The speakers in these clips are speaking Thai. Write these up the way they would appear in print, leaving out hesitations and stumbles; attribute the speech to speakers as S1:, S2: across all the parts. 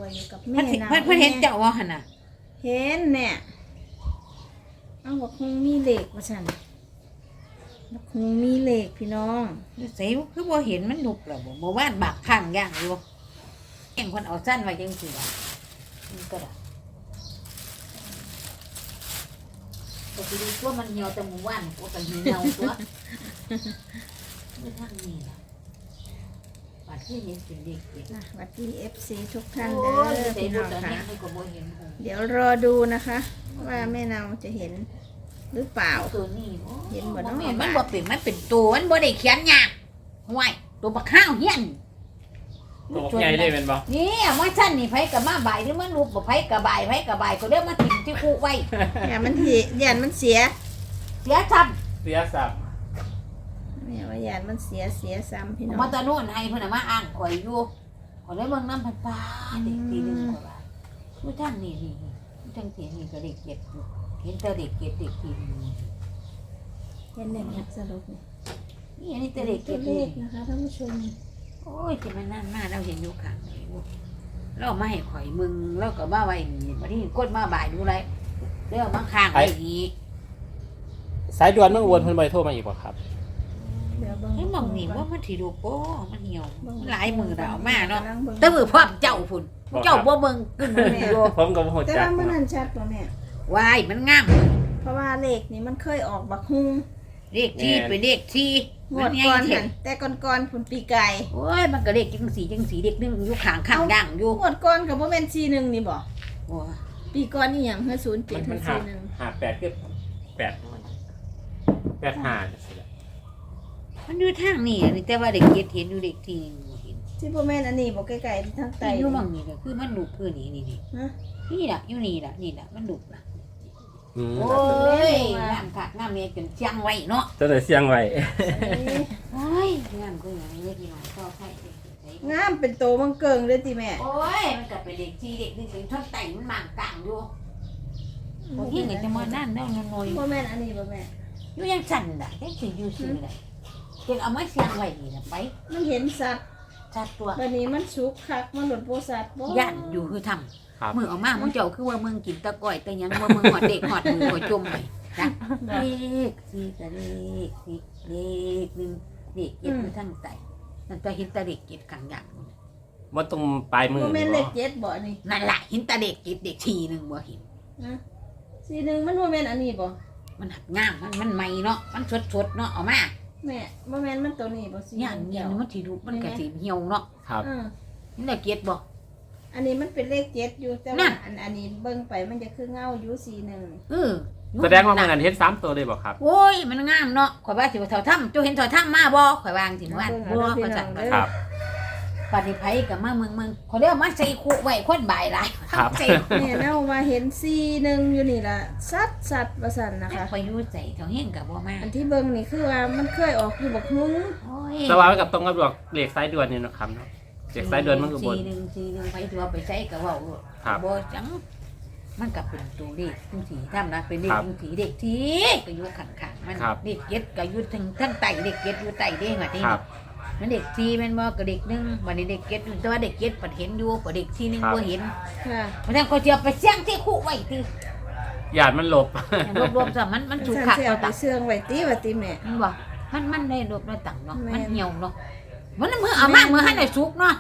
S1: อยู่กับ
S2: เพิ่
S1: แม่
S2: น
S1: นะ
S2: เพิ่นเห็นเจ้าว่าหั่นน่ะ
S1: เห็นเนี่ยเอาบอกคงมีเหล็กว่าฉันบอกคงมีเหล็กพี่น้อง
S2: ใส่คือบ่เห็นมันนุกแล้วบ่เมื่อวานบักข้างย่างอยู่แก่งคนเอาสั้นไว้จังซี่ล่ะมันก็ได้ก็สิดูตัวมันเหี่ยวแต่เมื่อวานก็กันเหี่ยวตัวไม่ทางนี้ล่ะบาดที่เห็นเป็นเด็กเด็ก
S1: นะวัดที่ FC ทุกท่าน
S2: โอ้
S1: เด้
S2: ย
S1: อ
S2: ใส่
S1: พี่
S2: ดู
S1: น้อง
S2: แต่
S1: ค่ะ
S2: เห็นมันก็บ่เห็นหง
S1: เดี๋ยวรอดูนะคะ ว่าแม่เนาจะเห็นหรือเปล่า
S2: ตัวนี้โอ้
S1: เห็นบ่เนาะ
S2: มันบ่เป็นมันเป็นตัวมันบ่ได้เขียนยากห่วยตัวบักข้าวเฮียน
S3: ตัวใหญ่เลยเป็นบ่
S2: นี่ว่าฉันนี่ไผกับมาบ่ายหรือมันรูปบ่ไผกับบ่ายไผกับบ่ายก็เรียกมาถิ่มที่คุไว้
S1: อย่ามันเหียนมันเสีย
S2: เสียทับ
S3: เสียสับ
S1: แม่ว่าอย่ามันเสียซ้ำพี่น้อง
S2: มาตะโน่นให้เพิ่นน่ะมาอ้างข่อยอยู่ข่อยเลยเบิ่งน้ำพันปลาเด็กปีนึงกว่าบาทผู้ทางนี่ผู้ทางเสียนี่ก็เด็กเก็บอยู่เห็นแต่เด็กเก็บเด็กปีนึง
S1: เห็นได้ยักสรุปนี่
S2: นี่อันนี้แต่เด็ก
S1: ตั
S2: เก็
S1: ว
S2: บ
S1: เล
S2: นี่
S1: ขนะคะท่านผู้ชม
S2: โอ้ยจะมันนั่นมาเราเห็นอยู่ข้างนี่เรามาให้ข่อยมึงแล้วก็มาไว้นี่บัดนี้กดมาบ่ายดูไรเรื่องมาข้างไว้นี่
S3: สายด่วนเมื่อวนเพิ่นบ่ได้โทรมาอีกบ่ครับ
S1: เดี๋ยวเบิ่ง
S2: ให้มองนี่ว่ามันสิดูโป้มันเหี่ยวมันหลายมือดาวมาเนาะ
S1: กำลังบิ่ง
S2: แต่มือพร้อมเจ้าพุ่นเจ้าบ่เบิ่งกึ่งมืออยู่
S3: ผมก็บ่ฮู้
S1: แต่
S3: จัก
S1: ว่ามันนั่นชัดกว่าแม่
S2: วายมันงาม
S1: เพราะว่าเลขนี่มันเคยออกบักฮุง
S2: เลขที่เป็นเลขที่
S1: งวดก่อนหันแต่ก่อนๆพุ่นปีไก่
S2: โอ้ยมันก็เลขจังสีเด็กนึงอยู่ข้างข้างย่างอยู่
S1: งวดก่อนก็บ่แม่น41นี่บ่
S2: โอ้ย
S1: ปีก่อนนี่หยังเฮอ
S3: มัน
S1: 07เฮ
S3: มัน
S1: อ
S3: หา
S1: 41
S3: หา8คือ8มัน85จังซี่แหละ
S2: มันอยู่ทางนี่นี่แต่ว่าเด็กเก็ดเห็นอยู่เด็กที่เห็น
S1: ที่บ่แม่นอันนี้บ่ใกล้ๆทางใต้
S2: ที่อยู่มั่งนี่ก็คือมันลูกคือนี่
S1: ฮะ
S2: นี่ล่ะอยู่นี่ล่ะมันลูกล่ะ
S3: อืม
S2: โอ้ยงามคักงามเมียจนเชียงไว้เนาะ
S3: จะได้เสียงไว้
S2: โอ้ยงามก็อย่างนี้พี่น้องก็ใช่
S1: งามเป็นโตมังเกิงเลยติแม่
S2: โอ้ยมันก็เป็นเด็กที่เด็กนึงเป็นท่อนไต่มันหมางกลางอยู่พวกที่เงินจะมานั่นเนาะน้อย
S1: บ่แม่นอันนี้บ่แม่
S2: อยู่ยังสั่นน่ะยังสิอยู่ซื่อน่ะเก็บเอามาเสียงไว้นี่น่ะไป
S1: มันเห็นสัตว์
S2: จัดตัว
S1: บัดนี้มันสุกคักมันหลุดโบสัตว์บ่
S2: ย่านอยู่คือทำ
S3: ครับ
S2: มือออกมามึงเจ้าคือว่ามึงกินตะก้อยแต่ยังว่ามึงหอดเด็กหอดมือหอดจมไปจ้ะเลขสี่กับเลขสี่เลขหนึ่งเลขเก็บอยู่ทั้งไตนั่นก็เห็นแตะเด็กเก็บขังอย่าง
S3: บ่ตรงปลายมือ
S1: บ่แม่นเล
S3: บ่
S1: ข7บ่นี่
S2: นั่นแหละเห็นแตะเด็กเก็บเด็กทีหนึ่งบ่เห็น
S1: นะ41มันบ่แม่นอันนี้บ่
S2: มันหักงามมันใหม่เนาะมันสดเนาะเอามา
S1: แม่บ่แม่นมันตัวนี้บ่สิ
S2: ย่านเย็นมันสีดูมันกระสีเหี่ยวเนาะ
S3: ครับ
S2: นี่แหละเก็บบ่
S1: อันนี้มันเป็นเลข7อยู่แต่
S2: นั่
S1: ว่าน อันนี้เบิ่งไปมันจะคือเงาอยู่41
S2: เออ
S3: แสดงว่ามันอันเฮ็ด3ตัวเลยบ่ครับ
S2: โอ้ยมันงามเนาะข่อยว่าสิว่าเท่าถ้ำเจ้าเห็นเท่าถ้ำมาบ่ข่อยวางสิว่าบ่ข่อยสั่น
S3: ครับ
S2: ปฏิไผกับมาเมืองเขาเรียกมาใส่คุไว้คนบ่ายหลาย
S3: ครับ
S2: ใส่
S1: แม่เนาว่าเห็น41อยู่นี่ล่ะสัดว่าซั่นนะคะ
S2: ข่อยอยู่ใส่เท่าเฮงกับบ่มา
S1: อันที่เบิ่งนี่คือว่ามันเคยออกอยู่บักฮุง
S2: โอ้ย
S3: แต่ว่ามันกับตรงกับดอกเลขสายด่วนนี่เนาะครับเนาะเลขสายด่วนมันก็บน
S2: 4-1ไปตัวไปใช้ก็เว้า
S3: ครับ
S2: บ่จังมันก็เป็นตัวเลขจังสีทำนะเป็นเลขจังสีเด็กทีก็อยู่ข้างๆมันเด็กเก็ดก็อยู่ทั้งไตเด็กเก็ดอยู่ไตเด้งว่าที่
S3: ครับ
S2: มันเด็กทีแม่นบ่ก็เด็กนึงวันนี้เด็กเก็ดแต่ว่าเด็กเก็ดปัดเห็นอยู่ปัดเด็กทีนึงบ่เห็น
S1: ค่ะ
S2: เพราะฉะนั้นก็จะไปเสี่ยงที่คุไว้ที่
S3: ญาติมันหลบ
S2: รวมๆซะมันถูก
S1: ฉัน
S2: ขัด
S1: สิ
S2: เอา
S1: เอาไป
S2: ตัก
S1: เสื่องไว้ติว่าติแม่
S2: มันบอกมันได้รวบได้ตังเนาะ
S1: แม่น
S2: มันเหี่ยวเนาะมันมือเอามามือให้ได้สุกเนาะ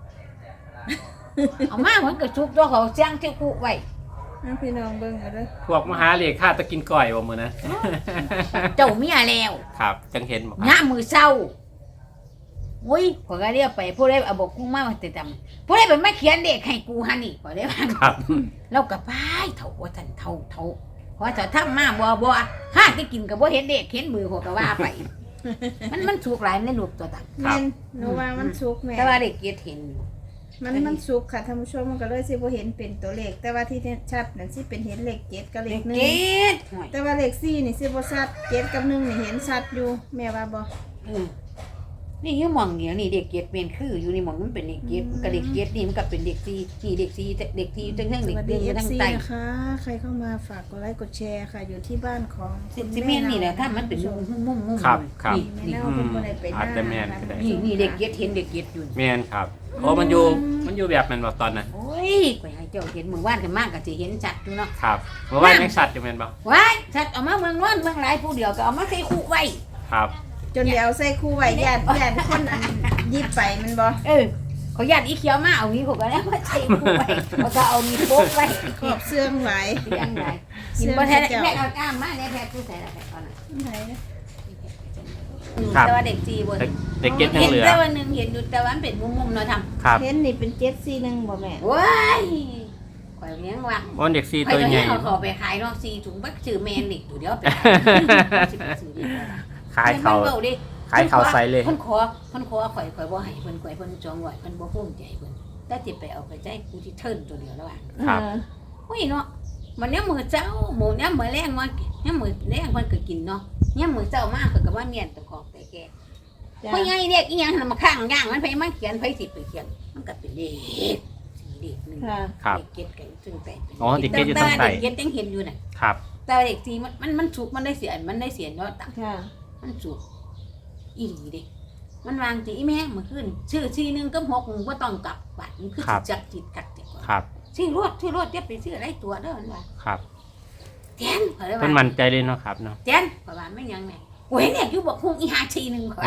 S2: เอามาเหมือนกับสุกตัวเขาเสี่ยงที่คุไว้
S1: เอาพี่น้องเบิ่งเอาเด้อ
S3: พวกมหาเลขค่าตะกินก้อยบ่มื้อนะ
S2: เจ้าเมียแล้ว
S3: ครับจังเห็นบ่ครับ
S2: ย่ามมือเศร้าโอ้ยขอยก็เรียกไปผู้ใดเอาบอกกุ้งมาติดตำผู้ใดเป็นมาเขียนเด็กให้กูฮันนี่ขอยได้ว่า
S3: ครับ
S2: เรากับป้ายเถ่าว่าท่านเถ่าเพราะถ้าทำมาบ่ห้าที่กินกับบ่เห็นเด็กเห็นมือหัวก็ว่าไป มันสุกหลายในรูปตัวตัก
S1: แม่นหนูว่ามันสุกแม่
S2: แต่ว่าเด็กเกียรเห็นอยู่
S1: มันสุกค่ะท่านผู้ชมมันก็เลยสิบ่เห็นเป็นตัวเลขแต่ว่าที่ชัดนั่นสิเป็นเห็นเลข7กับเล
S2: เด็
S1: ข
S2: กเกียร
S1: 1แต่ว่าเลข4นี่สิบ่ชัด7กับ1นี่เห็นชัดอยู่แม่ว่าบ่
S2: นี่อยู่หมองเดียวนี่เด็กเกียรเป็นคืออยู่นี่หมองมันเป็นเด็กเกียรกับเด็กเกียรนี่มันก็เป็นเด็กซีนี่เด็กซีเด็กซีทั้ง
S1: ส
S2: เด็ก
S1: วัส
S2: เรี
S1: ดี
S2: ยนอยู่ทั้ง
S1: FC
S2: ใต้
S1: นะคะใครเข้ามาฝากกดไลค์กดแชร์ค่ะอยู่ที่บ้านของ
S2: สิเมนนี่แหละถ้ามันเป็นมุม
S3: ครับครับ
S1: แม่เน่าเป็นคนไหนไปห
S3: อาจ
S1: น้า
S3: จะแม่นก็ได้
S2: นี่เด็กเกียรเห็นเด็กเกียรอยู่
S3: แม่นครับโอ้มันอยู่แบบนั้นบ่ตอนนั้น
S2: โอ้ยข่อยให้เจ้าเห็นมื้อวานกันมากก็สิเห็นชัดอยู่เนาะ
S3: ครับเมื่อวานยังสัตว์อยู่แม่นบ่
S2: ว้ายชัดเอามาเมืองนอนเมืองหลายผู้เดียวก็เอามาใส่คู่ไว้
S3: ครับ
S1: จนเดี๋ยวใส่คู่ไว้ญาติคนอันยิบไปมันบ่
S2: เขาญาติอีเขียวมาเอานี้ผมก็แล้วมาใส่คู่ไว้แล้วก็เอานี้โป๊กไว้
S1: ขอบเสื่องไว้
S2: เลี้ยงได้กินบ่แท้แม่เอาก้ามมาแน่แท้ผู้ใส่ละแท้ก่อนน่ะ
S1: ไหน
S2: แต่ว่าเด็กจีบ่
S3: เด็กเก็ตยัง
S2: เห็น
S3: เหลือ
S2: แต่ว่านึงเห็นอยู่แต่ว่ามันเป็นมุมๆเนาะทำ
S3: ครับ
S1: เห็นนี่เป็น741บ่แม่
S2: ว้ายข่อยเลี้ยงว่า
S3: วันเด็กซี
S2: ข่อ
S3: ตั
S2: ยว
S3: ใหญ่
S2: เอาขอไปขายเนาะ4ถุงบักซื้อแมนเด็กอยู่เดี๋ยวไปซื้อเด็ก
S3: ขายเขา
S2: เว้ดิ
S3: ขายเขาใส่เลย
S2: เพิ่นขอข่อยบ่ให้เพิ่นจองไว้เพิ่นบ่ภูมิใจเพิ่นแต่สิไปเอาไปใจกูที่เทิร์นตัวเดียวแล้วว่า
S3: ครับ
S2: อุ้ยเนาะมันเนี่ยมื้อเช้าหมูเนี่ยมื้อแรงว่าเนี่ยมื้อแรงเพิ่นก็กินเนาะเนี่ยมื้อเช้ามาเพิ่นก็ว่าเมียนตะของไปแก่
S1: จ้ะ
S2: เพราะไงเด็กอีหยังหั่นมาข้างย่างมันไปมาเขียนไปสิไปเขียนมันก็เป็นเลขเลขนึง
S1: ค่ะ
S3: ครับ
S2: เด็กเก็ดกันซึ่งแต่เป็น
S3: อ๋อเด็กเก็ตอยู่ทางใต้
S2: เด็กเก็ดยังเห็นอยู่น่ะ
S3: ครับ
S2: แต่เด็กที่มันสุกมันได้เสียเนาะตัง
S1: ค่ะ
S2: มันสุกอีหลีเด้มันวางสิอีแม่เมื่อคืนชื่อ4 1กับ6บ่ต้องกลับบัดมันคือสิจักจิตกัดจักว่า
S3: ครับ
S2: ชื่อรถเดี๋ยวไปซื้ออะไรตัวเด้อมันว่า
S3: ครับ
S2: แทนเขาเลย
S3: เพิ่น
S2: ว่า
S3: มั่นใจเลยเนาะครับเนาะ
S2: แทนเพราะว่าไม่ยังแม่โอ้ยเนี่ยอยู่บอกคงอีหาชีนึงเขาว่า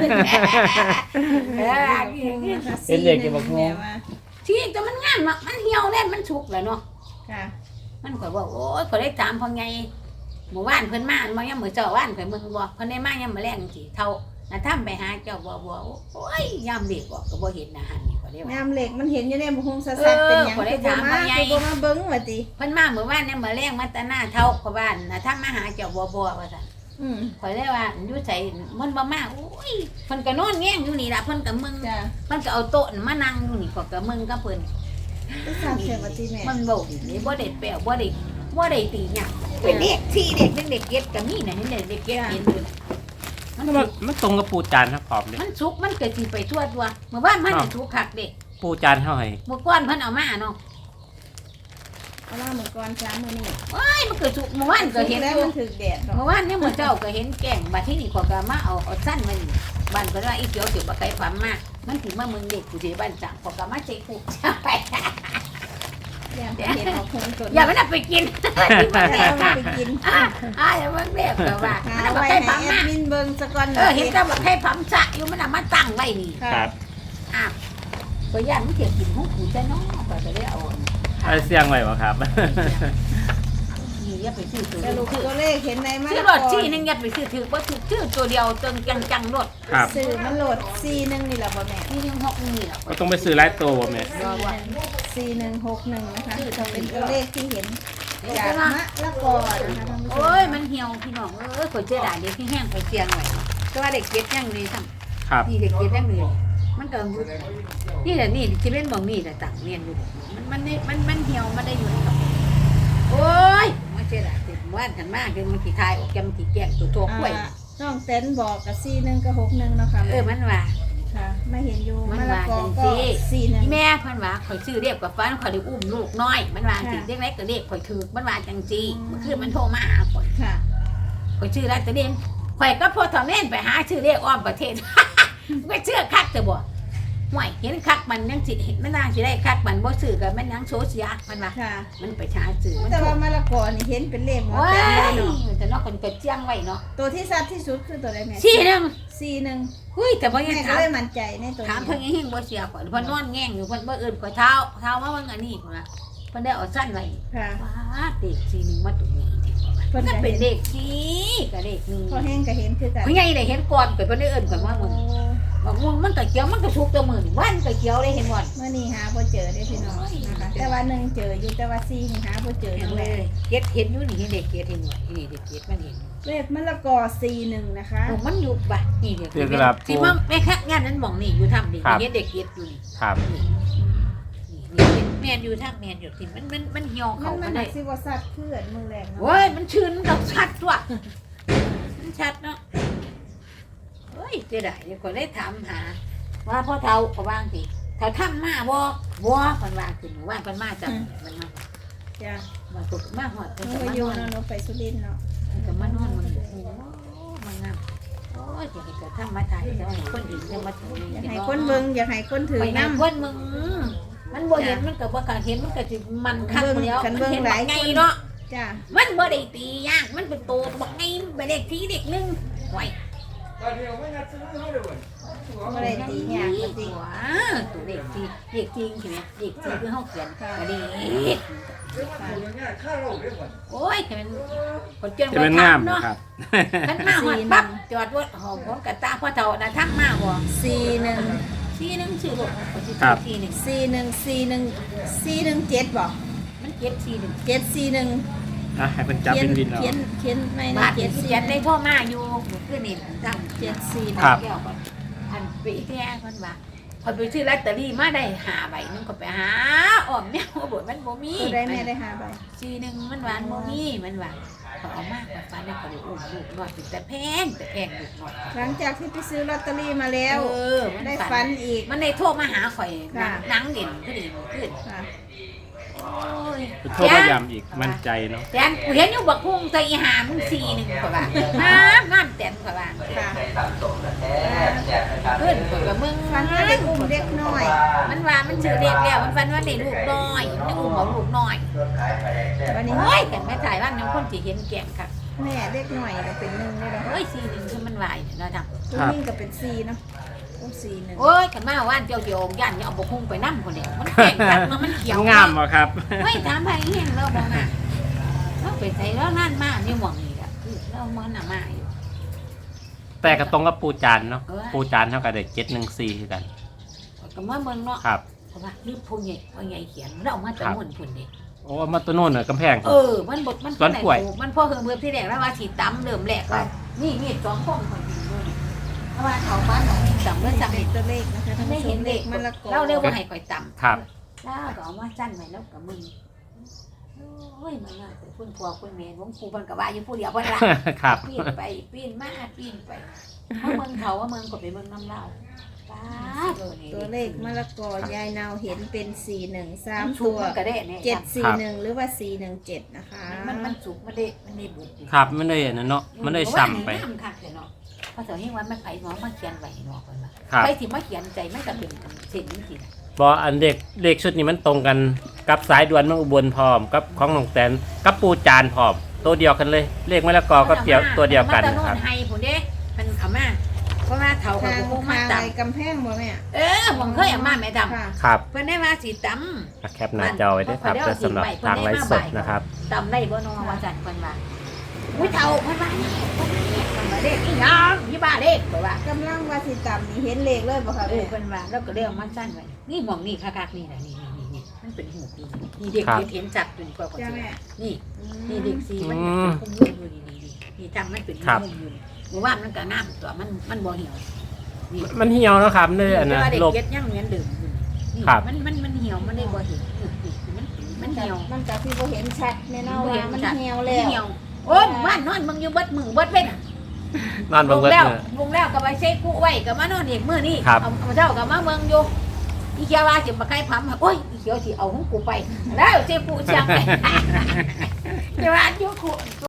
S3: เห็นเด็กอยู่บ่ครู
S1: แม่ว่า
S2: ที่แต่มันงามเนาะมันเหี่ยวแน่นมันสุกแล้วเนาะ
S1: ค่ะ
S2: มันข่อยบอกโอ้ยข่อยได้ถามพ่อไงหมู่บ้านเพิ่นมาบ่ยามมื้อเจ้าว่านข่อยมึงบ่เพิ่นได้มายามมื้อแลงสิเท่าน่ะทำไปหาเจ้าบ่โอ้ยยามเด็กบอกก็บ่เห็นอาหารนี่ข่อยได้ว่า
S1: แม่มเหล็กมันเห็นอยู่ในบุคงซัดๆเป็นหยัง
S2: ขอได้
S1: คือบ่
S2: ถาม
S1: มา
S2: ว่าไง
S1: คือบ่มาเบิ่งว่าติ
S2: เพิ่นมามื้อวานเนี่ยมื้อแลงมาแต่หน้าเท่าเพราะว่าน่ะทำมาหาเจ้าบ่ว่าซั่น
S1: อืม
S2: ข่อยเลยว่าอยู่ไสมันบ่มาโอ้ยเพิ่นก็นอนแง่งอยู่นี่ล่ะเพิ่นก็มึง
S1: จ้ะ
S2: มันก็เอาโต๊ะมานั่งอยู่นี่ก็มึงกับเพิ่น
S1: ก็ทราบเสียว่าติแม่
S2: มันบ่ดีบ่ได้แปลบ่ได้ตีหยังเป็นเด็กที่เด็กเด็กเก็ดก็มีน่ะเห็นเด็กเก็ดเห็นอยู่น่ะ
S3: มันตรงกับปูจานครับพร้อมเลย
S2: มันสุกมันก็สิไปทั่วตัวเมื่อวานมันสุกคักเด็ก
S3: ปูจานเท่าไหร่
S2: เมื่อก่อนเพิ่นเอามาเนาะ
S1: เอาล่าหมู่ก่อนช้ามื้อนี้
S2: มันก็สุกเมื่อวานก็เห็น
S1: แล้ว
S2: อยู่
S1: มันถึกแดดดอก
S2: เมื่อวานเนี่ยมื้อเจ้าก็เห็นแกงบัดที่นี่ก็มาเอาสั้นมานี่บ้านก็ว่าอีเขียวสิบ่ไกลความมามันสิมาเมืองเด็กกูสิบ้านจังก็มาใส่กูไป
S1: อย่าไปเห็นเอาคงตัว
S2: อย่ามันไปกินที่บ้าน
S1: แล้
S2: แม่
S1: วมันไปกิน
S2: อย่ามันแม่ก็ว่า
S1: หา
S2: มันบ่
S1: ไว้
S2: ไกล
S1: ให้
S2: ความ
S1: แอ
S2: มา
S1: ดมินเบิ่งซะก่อน
S2: เห็นแต่บอกให้ปั๊มสะอยู่มันเอามาตั้งไว้นี่
S3: ครับ
S2: ก็ย่านมันเกี่ยวกินของกูจะน้องก็จะได้เอา
S3: ไอ้เสียงไว้บ่ครับ
S2: นี่อย่าไปซื้อตัว
S1: สรุปตัวเลขเห็นในมะ
S2: ซื้อ
S1: ละ
S2: ร
S1: ก
S2: ถ
S1: อ
S2: ที่นึงอย่าไปซื้อถือว่าซื้อตัวเดียวตึงจังรถ
S3: ครับ
S1: สื่อมันโหลด41นี่แหละบ่แม่
S2: นี่ยัง6นี่แหละ
S3: ก็ต้องไปซื้อหลายตัวบ่แม่
S1: 4161นะคะเป็นตัวเลขที่เห็นจากมะละกอนะคะท่านผู้ชม
S2: โอ้ยมันเหี่ยวพี่น้องข่อยเจอด่าเด็กที่แห้งข่อยเสียงไว้ก็ว่าเด็กเก็บยังนี่ซ้ำ
S3: ครับ
S2: นี่เด็กเก็บยังนี่มันก็นี่แหละนี่จะเป็นบ่งนี่แหละต่างเรียนอยู่มันเหี่ยวมันได้อยู่ครับโอ้ยมาเจอด่าติดว่านกันมากคือมันขี้ทายออกแกมันขี้แกงตัวโตกล้วย
S1: น้องเต้นบอกกับ41กับ61เนาะค่ะ
S2: มันว่า
S1: ค่ะไม่เห็นอยู่
S2: มัน
S1: มะละ
S2: ว่าก
S1: อ
S2: จัง
S1: ก็
S2: ซี่
S1: 41
S2: แม่เพิ่นว่าข่อยซื้อเรียบกับฟันข่อยได้อุ้มลูกน้อย มันว่าสิเรียกไรก็เรียกข่อยถือมันว่าจังซี่เมื่อคืนมันโทรมาหาข่อย
S1: ค่ะ
S2: ข่อยชื่ออะไรแต่เด่นข่อยก็พอทอแม่นไปหาชื่อเรียกอ้อมประเทศ ไม่เชื่อคักแต่บ่ห่วยเห็นคักมันยังสิมันนางสิได้คักมันบ่ซื้อก็มันยังโซเชียมันว่า
S1: ค่ะ
S2: มันไปหาซื้อมัน
S1: แต่ว่ามะละกอนี่เห็นเป็นเลขหมด
S2: ว้า
S1: แต่
S2: ย
S1: เลยเนาะ
S2: แต่เนอกคนก็เจียงไว้เนาะ
S1: ตัวที่ชัดที่สุดคือตัวใดแม่
S2: ชี้นึง
S1: 41
S2: หุ้ยแต่บ่ยัง
S1: แม่ก็
S2: ถาม
S1: เลยมั่นใจในตัว
S2: ถาม
S1: นี้
S2: เพิ่นยังเฮงบ่เสียข่อยเพิ่นนอนแง่งอยู่เพิ่นบ่อื่นข่อยเท้ามาว่าอันนี้พุ่นน่ะเพิ่นได้เอาสั้นไว้
S1: ค่ะ
S2: ว้าเด็กสีนึงมาตรงนี้
S1: เพิ่น
S2: ก็
S1: ก็
S2: เป็
S1: เป็น น
S2: เด็กที่กับเด็กนึง
S1: พอแห้งก็เห็นคือกัน
S2: ไม่ไงได้เห็นก่อนข่อยเพิ่นได้เอิ้นข่อยว่ามึงบอกมึงมันก็เกี่ยวมันก็ทุกตัวมือนี่วันก็เกี่ยวได้เห็นบ่
S1: เมื่อนี้หาบ่เจอได้อพี่น้องนะคะแต่ว่า1เจออยู่แต่ว่า4นี่หาบ่เจอ
S2: เห็
S1: จั
S2: น
S1: ง
S2: เล
S1: แล
S2: ยเก็ดเห็นอยู่นี่เห็นเด็กเก็ดเห็นหน่อยนี่เด็กเก็ดมันเห็น
S1: เลขมะละกอ41นะคะ
S2: มันอยู่บ่นี่เด็ก
S3: เดี๋ยวครับ
S2: สิมาแม่คักงานนั้นมองนี่อยู่ทำดิเห็นเด็กเก็ดอยู่นี่
S3: ครับ
S2: นี่แม่นอยู่ทางแม่นอยู่ที่มันเหี่ยว
S1: มั
S2: เขา
S1: น
S2: มั
S1: มัน น
S2: ได้
S1: สิว่าสัตว์เพื่อนมือแรงเนาะ
S2: โอ้ยมันชื้นกับชัดตัวมันชัดเนาะเฮ้ยเจ๊ได้เดี๋ยวคนได้ถามหา ว่าพ่อเฒ่าเขาว่างสิเฒ่าทำมาบ่เพิ่นว่าขึ้นว่าเพิ่นมาจังมันมา
S1: จ้ะ
S2: มาตกมาฮอด
S1: ห
S2: เพิ่น
S1: นู
S2: ก็
S1: ก็
S2: มา
S1: อยู่
S2: นอน
S1: เนาะหนูไปสุรินทร์เนาะ
S2: เพิ่นก็มานอนมันโอ้มันงามโอ้ยจะให้เกิดทำมาถ่ายจะให้คนอื่นจะมาถึง
S1: อยากให้คนเบิ่งอยากให้คนถือ
S2: ไป
S1: น้
S2: นำคนมึงมันบ่เห็นมันก็บ่กล้าเห็นมันก็สิมันคักแล้ว
S1: คัน
S2: มัน
S1: เบิ่ง
S2: เห็น
S1: ห
S2: บั
S1: ลาก ย
S2: ไง
S1: คน
S2: เนาะ
S1: จ้า
S2: มันบ่ได้ตียากมันเป็นโตบักไงมันเป็นเด็กที่เด็กนึงไว้
S1: บ่ได้ตีหยังบ่ติ
S2: ว้าตัวเด็กที่เด็กจริงใช่ไหมเด็กจริงคือเฮาเขียนก็เด็กโอ้ยแต่มันคนจน
S3: จะเป็นงาม
S2: เนาะ
S3: นะครับ
S2: คันมาฮอดปั๊บจอดรถหอมพร้อมกับตาพ่อเฒ่าน่ะทักมาบ่
S1: 41
S2: ทีนึงชื่อรถเขาสิ
S3: ครับ
S2: ทีนึง
S1: 4141417บ่
S2: มันเก็บทีนึง
S1: 741
S3: อ่ะให้เพิ่นจับเป็นวินเอา
S1: เขียนไม่
S2: บา
S1: นะ
S2: ทเขียนได้พ่อมาอยู่คือนี่ตั้ง
S1: 741
S3: ครับ
S2: แก้วก่อนอันปีแท้เพิ่นว่าพอยไปซื้อลอตเตอรี่มาได้5ใบนึงก็ไปหาอ้อมแนวบ่มันบ่มี
S1: ตัวได้แม่ได้5ใบ
S2: ทีนึงมันหวานบ่มีมันว่าพอเอามากกว่าฟ้าได้ก็เลยอุ้มลูกน้อยแต่แพงลูกน้อย
S1: หลังจากที่ไปซื้อลอตเตอรี่มาแล้ว
S2: มัน
S1: ได้ฝันอีก
S2: มันได้โทรมาหาข่อย
S1: ค่ะ
S2: นังเด่นขึ้นขึ้น
S1: ค่ะ
S2: โอ้ย
S3: โทรมาย้ำอีกมั่นใจเนาะ
S2: แตนกูเห็นอยู่บักพุ่งใส่อีหามึง41กว่าบาทน้ำแตนกว่าบาท
S1: ค่ะ
S2: ขึ้นกว่ามึง
S1: ฝันว่าได้อุ้มเด็กน้อย
S2: มันว่ามันชื่อเด็กแล้วมันฝันว่าได้ลูกน้อยมันได้อุ้มเอาลูกน้อย
S1: วันนี้
S2: โอ้ยแต่แม่ถ่ายว่าน้ำคนสิเห็นแก่งค่ะ
S1: แม่เด็กน้อยก็เป็น1เลยเนาะ
S2: เฮ้ย41คือมันวายเนาะจัง
S1: ผู้หญิงก็เป็น4เนาะโอ้41
S2: โอ้ยกันมาว่านเจียวย่านอย่าเอาบักพุ่งไปนํคนเดียวมันแก่งกันมันเขียว
S3: งามบ่ครับ
S2: เฮ้ยถามไปเห็นเราบ่มาเราไปใส่แล้วนั่นมานี่หม่องนี่ล่ะคือเรามันน่ะมาอยู่
S3: แต่ก็ตรงกับปูจานเนาะปูจานเท่ากับได้714คือกัน
S2: ก็มาเมืองเนาะ
S3: ครับ
S2: เพราะว่าลืมผู้ใหญ่ว่าใหญ่เขียนเรามาจากมุ่นพุ่นเด้
S3: โอ้มาตัวโน่นน่ะกำแพง
S2: มันบดมัน
S3: สวนกล้วย
S2: มันพ่อเฮิงเพิ่มที่แรกแล้วว่าสิตำเริ่มแรกว่านี่มี2คนคนอยู่นู่นเพราะว่าเขาบ้านของตำเริ่มตำ
S1: เป็นตัวเลขนะคะท่าน
S2: ไม่
S1: ผู้ช
S2: เห็
S1: ม
S2: น
S1: เล
S2: เด็
S1: ข
S2: ก
S1: มะละกอ
S2: เราเรียกว่าให้ก่อยตำ
S3: ครับ
S2: แล้วก็เอามาสั้นไว้แล้วกับมึงโอ้ยมันน่าจะคุณพ่อคุณแม่วงครูเพิ่นก็ว่าอยู่ผู้เดียวเพิ่นล่ะ
S3: ครับ
S2: ปีนไปปีนมาปีนไปเพราะเมืองเขาว่าเมืองกดไปเมืองน้ำเล่าป้านี่
S1: ตัวเลขมะละกอยายนาวเห็นเป็น413
S2: สุ
S1: ตั
S2: ก
S1: ว
S2: มันก็ได้เนี่ย
S1: 741หรือว่า417นะคะ
S2: มันสุกมันได้บุญ
S3: ครับมันได้อันนั้นเนาะมันได้ซ้ำไป
S2: น้ำคักเลยเนาะพอเสาร์นี้วันมันไผ่หมอมาเขียนไว้เนาะคนว่า
S3: ครับ
S2: ไปที่มาเขียนใจไม่กระเป็นเส้นนี้สิ
S3: บออันเด็กชุดนี้มันตรงกันกับสายด่วนเมืองอุบลพร้อมกับของหนองแตนกับปูจานพร้อมตัวเดียวกันเลย เลขมะละกอก็เดียวตัวเดียวกัน
S2: มัน
S3: ครับ
S2: ไฮผมเด้มันเอามาเพราะว่าเขาเขา
S1: ทาง
S2: คงมา
S1: ทาง
S2: ต
S1: ไอ้กำแพงบ่แม่
S2: ผมเคยเอามาแม่ดำ
S1: ค่ะ
S3: ครับ
S2: เพิ่นได้มาสีต
S3: แคปหน้าจอไว้ด้วยครับเพื่อสำหรับทางไลฟ์สดนะครับ
S2: ำตำได้บ่น้องว่าจัดเพิ่นว่าอุ้ยเฒ่าเพิ่นว่าเนี่ยเพิ่นว่าเด็กอีหยังยี่บ้าเด็กเพิ่นว่าก
S1: ำลังว่าสิต่ำนี่เห็นเลขเลยบ่คะแม่
S2: เพิ่นว่าแล้วก็เรียกมาสั้นไว้นี่หม่องนี่คักๆนี่น่ะนี่มันเป็นหูนี่เด็กเห็นจับจนกว่า
S1: จ้า
S2: สิ
S1: แม่
S2: นี่เด็กสีมันเป็นคุ้มอยู่นี่จำมันเป็นคุ้มอยู่หมู่บ้านมันก็งามตัวมันบ่เหี่ยว
S3: มันเหี่ยวนะครับเลยอันนะ
S2: เด็ก
S3: โลก
S2: เก็ดยังเหมือนเดิมอยู่นี่
S3: ครับ
S2: มันเหี่ยวมันได้บ่เห็นมันเหี่ยว
S1: มันก็ที่บ่เห็นชัดแม่เนาะว่ามันเหี่ยวแล้ว
S2: เหี่ยวโอ้ยบ้านนอนมึงอยู่เบิดมือเบิดเว้น
S3: นอนเบิ่งเบิด
S2: แล้ว
S3: เนอะ
S2: วงแล้วก็ไปเช็คกูไว้ก็มานอนอีกมื้อนี้
S3: ครับ
S2: เอาเจ้าก็มาเมืองอยู่อีเขียวว่าสิมาใกล้พัมโอ้ยอีเขียวสิเอาของกูไปแล้วเช็คกูเชียงไปจะว่าอยู่กู